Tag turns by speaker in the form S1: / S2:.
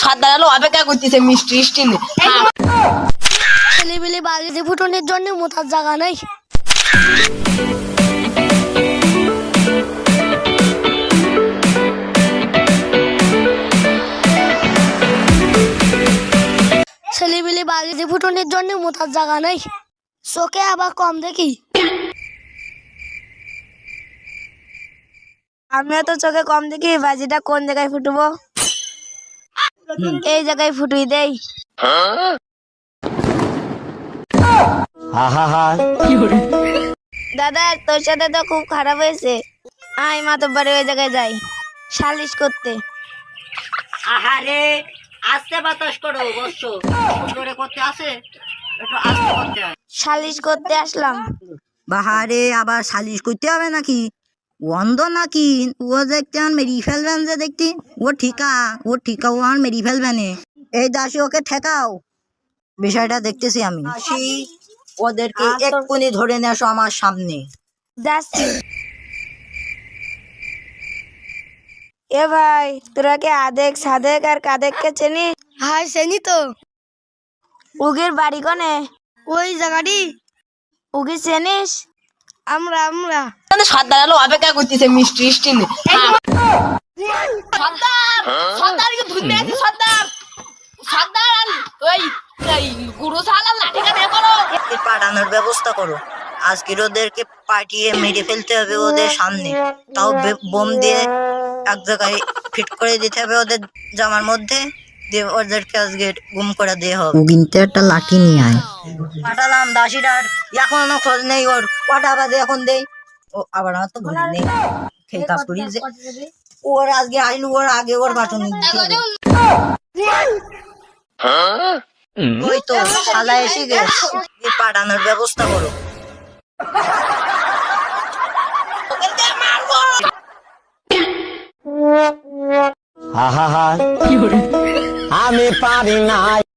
S1: সর্দার আলো অপেক্ষা করতেছে মিষ্টি মিষ্টি নে।
S2: ছেলেবেলে বাড়িতে ফুটনের জন্য মোতার জায়গা নেই। ছেলেবেলে বাড়িতে ফুটনের জন্য মোতার জায়গা নেই। চোখে আবার কম দেখি। আমিও তো চোখে কম দেখি। বাজিটা কোন জায়গায় ফুটবো? এই জায়গায় ফুটুই দেই। দাদা তোর সাথে তো খুব খারাপ হয়েছে। আয় মাতব্বরে ওই জায়গায় যাই সালিশ করতে।
S3: আহারে আস্তে বাতাস করো বর্ষ জোরে করতে আসে একটু আস্তে করতে হয়।
S2: সালিশ করতে আসলাম।
S3: বাহারে আবার সালিশ করতে হবে নাকি? অন্ধ নাকি? ও দেখতে আর মেরি ফেলবেন যে দেখতি। ও ঠিকা ও আর মেরি ফেলবেন। এই দাসী ওকে ঠেকাও, বিষয়টা দেখতেছি আমি। দাসী ওদেরকে এক্ষুনি ধরে নিয়ে আসো আমার সামনে।
S2: যাচ্ছি। এ ভাই তোরা কে আদেক সাদেক আর কাদেককে চেনি? হাই চেনি তো। উগের বাড়ি কনে? ওই জায়গাটি। উগি চেনিস? আমরা
S1: সর্দার আলো অপেক্ষা করতেছে মিষ্টি মিষ্টি নে। সর্দার সর্দার কি ধুতে আছে? সর্দার সর্দার ওই গুরু সালা লাঠি কাটে করো।
S3: পাঠানোর ব্যবস্থা করো। আজকের ওদেরকে পাঠিয়ে মেরে ফেলতে হবে ওদের সামনে। তাও বোম দিয়ে এক জায়গায় ফিট করে দিতে হবে ওদের জামার মধ্যে, দিয়ে ওদেরকে আজকে গুম করে দিয়ে হবে। কিন্তু একটা লাঠি নিয়ে আয়। পাঠালাম দাসিটার এখনো খোঁজ নেই। ওর কটা বাজে এখন দেই। ও আবার আমার তো ভুল নেই, খেয়ে কাজ করি যে ওর আজকে আইলু, ওর আগে ওর বাটন দিতে হবে। ওই তো শালা এসে গেছে। পাঠানোর ব্যবস্থা করো।
S4: আমি পারি না।